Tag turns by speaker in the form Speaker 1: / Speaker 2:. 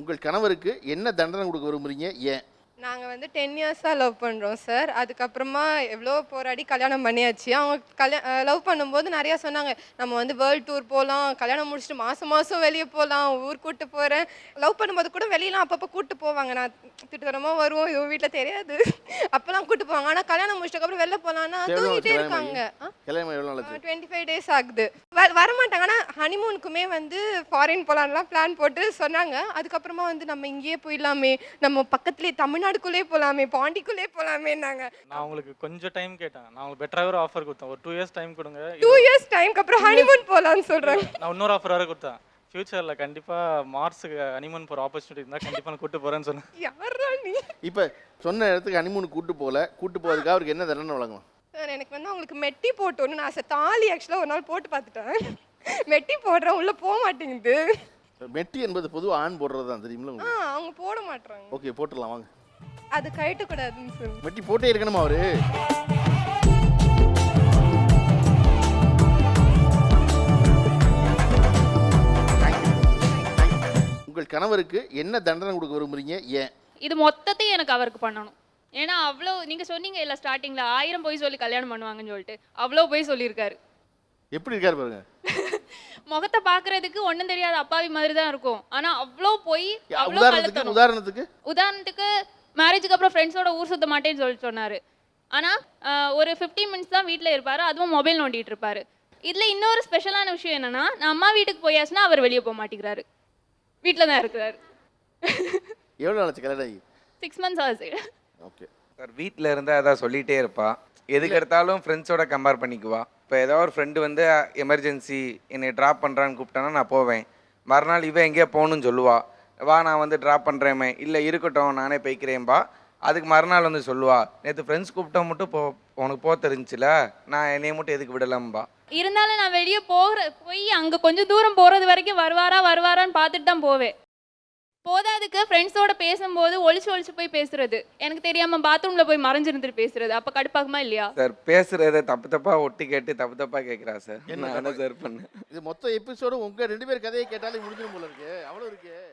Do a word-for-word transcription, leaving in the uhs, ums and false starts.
Speaker 1: உங்கள் கணவருக்கு என்ன தண்டனை கொடுக்க விரும்புறீங்க? ஏன்?
Speaker 2: நாங்கள் வந்து டென் இயர்ஸாக லவ் பண்ணுறோம் சார். அதுக்கப்புறமா எவ்வளோ போராடி கல்யாணம் பண்ணியாச்சு. அவங்க கல்யா லவ் பண்ணும்போது நிறையா சொன்னாங்க, நம்ம வந்து வேர்ல்டு டூர் போகலாம், கல்யாணம் முடிச்சுட்டு மாதம் மாதம் வெளியே போகலாம், ஊர் கூப்பிட்டு போகிறேன். லவ் பண்ணும்போது கூட வெளியெலாம் அப்பப்போ கூப்பிட்டு போவாங்க. நான் திட்டுத்தரமாக வருவோம், இவங்க வீட்டில் தெரியாது. அப்போல்லாம் கூப்பிட்டு போவாங்க. ஆனால் கல்யாணம் முடிச்சதுக்கப்புறம் வெளில போகலான்னா தூங்கிட்டே இருக்காங்க.
Speaker 1: கல்யாணம் எவ்வளோ நாளாச்சு?
Speaker 2: டுவெண்ட்டி ஃபைவ் டேஸ் ஆகுது. வ வரமாட்டாங்க. ஆனால் ஹனிமூனுக்குமே வந்து ஃபாரின் போகலான்லாம் பிளான் போட்டு சொன்னாங்க. அதுக்கப்புறமா வந்து நம்ம இங்கேயே போயிடலாமே, நம்ம பக்கத்துலேயே தமிழ்நாடுக்குள்ளே போகலாமே, பாண்டிக்குள்ளே போகலாமேன்னாங்க.
Speaker 3: நான் உங்களுக்கு கொஞ்சம் டைம் கேட்டேன். நான் உங்களுக்கு பெட்டராக ஒரு ஆஃபர் கொடுத்தேன். ஒரு டூ இயர்ஸ் டைம் கொடுங்க.
Speaker 2: டூ இயர்ஸ் டைம்க்கு அப்புறம் ஹனிமூன் போகலான்னு சொல்கிறாங்க.
Speaker 3: நான் இன்னொரு ஆஃபர் வேறு கொடுத்தேன். ஃபியூச்சரில் கண்டிப்பாக மார்ஸுக்கு ஹனிமூன் போகிற ஆப்பர்ச்சுனிட்டி இருந்தால் கண்டிப்பாக நான் கூப்பிட்டு போகிறேன்னு சொன்னேன்.
Speaker 2: யாரா நீ?
Speaker 1: இப்போ சொன்ன இடத்துக்கு ஹனிமூனுக்கு கூட்டு போகல, கூட்டு போகிறதுக்கு அவருக்கு என்ன தண்டனை வழங்கலாம்?
Speaker 2: சார் எனக்கு வந்து அவங்களுக்கு மெட்டி போட்டோன்னு நான் சார் தாலி ஆக்சுவலாக ஒரு நாள் போட்டு பார்த்துட்டேன். மெட்டி போடுறேன், உள்ளே போக மாட்டேங்குது.
Speaker 1: மெட்டி என்பது பொதுவாக ஆண் போடுறது தான், தெரியுமில்ல
Speaker 2: ஆ
Speaker 1: உங்களுக்கு?
Speaker 2: அவங்க போட மாட்டாங்க.
Speaker 1: ஓகே, போட்டுடலாம் வாங்க.
Speaker 2: அது கழட்டக்கூடாதுன்னு சொல்லி.
Speaker 1: மெட்டி போட்டே இருக்கணுமா அவரு? உங்கள் கணவருக்கு என்ன தண்டனை கொடுக்க விரும்புறீங்க? ஏன்?
Speaker 4: இது மொத்தத்தையும் எனக்கு அவருக்கு பண்ணணும். ஏன்னா அவ்வளோ நீங்கள் சொன்னீங்க இல்லை ஸ்டார்டிங்கில் ஆயிரம் போய் சொல்லி கல்யாணம் பண்ணுவாங்கன்னு சொல்லிட்டு அவ்வளோ போய் சொல்லியிருக்காரு.
Speaker 1: எப்படி இருக்காரு பாருங்க.
Speaker 4: முகத்தை பார்க்கறதுக்கு ஒன்றும் தெரியாத அப்பாவி மாதிரி தான் இருக்கும். ஆனால் அவ்வளோ போய் அவ்வளோ
Speaker 1: உதாரணத்துக்கு
Speaker 4: கலத்தணும்.
Speaker 1: உதாரணத்துக்கு
Speaker 4: உதாரணத்துக்கு மேரேஜுக்கு அப்புறம் ஃப்ரெண்ட்ஸோட ஊர் சுத்த மாட்டேன்னு சொல்லி சொன்னார். ஆனால் ஒரு ஃபிஃப்டீன் மினிட்ஸ் தான் வீட்டில் இருப்பார், அதுவும் மொபைல் நோண்டிட்டு இருப்பார். இதில் இன்னொரு ஸ்பெஷலான விஷயம் என்னென்னா, நான் அம்மா வீட்டுக்கு போயாச்சுன்னா அவர் வெளியே போக மாட்டேங்கிறாரு, வீட்டில் தான் இருக்கிறாரு.
Speaker 1: எவ்வளோ நாளாச்சு கல்யாணம் ஆகி?
Speaker 4: சிக்ஸ் மந்த்ஸ் ஆகுது.
Speaker 1: ஓகே
Speaker 5: சார், வீட்டில் இருந்தால் அதான் சொல்லிகிட்டே இருப்பா. எதுக்கு எடுத்தாலும் ஃப்ரெண்ட்ஸோட கம்பேர் பண்ணிக்குவா. இப்போ ஏதோ ஒரு ஃப்ரெண்டு வந்து எமர்ஜென்சி என்னை ட்ராப் பண்ணுறான்னு கூப்பிட்டானா நான் போவேன். மறுநாள் இவன் எங்கேயோ போகணுன்னு சொல்லுவா, வா நான் வந்து ட்ராப் பண்ணுறேமே, இல்லை இருக்கட்டும் நானே போய்க்கிறேன்பா. அதுக்கு மறுநாள் வந்து சொல்லுவா, நேற்று ஃப்ரெண்ட்ஸ் கூப்பிட்டா மட்டும் போ, உனக்கு போக தெரிஞ்சில, நான் என்னைய மட்டும் எதுக்கு விடலாம்பா.
Speaker 4: இருந்தாலும் நான் வெளியே போகிற போய் அங்கே கொஞ்சம் தூரம் போகிறது வரைக்கும் வருவாரா வருவாரான்னு பார்த்துட்டு தான் போவேன். போதாதுக்கு ஃப்ரெண்ட்ஸோட பேசும்போது ஒளிச்சு ஒளிச்சு போய் பேசுறது, எனக்கு தெரியாமல் பாத்ரூமில் போய் மறைஞ்சிருந்துட்டு பேசுறது, அப்போ கடுப்பாகுமா இல்லையா?
Speaker 5: சார் பேசுகிறத தப்பு தப்பாக ஒட்டி கேட்டு தப்பு தப்பாக கேட்குறா சார். என்ன சார் பண்ணேன்?
Speaker 1: இது மொத்த எபிசோடு உங்க ரெண்டு பேர் கதையை கேட்டாலே முடிஞ்சிடும் போல இருக்கு. அவ்வளோ இருக்கு.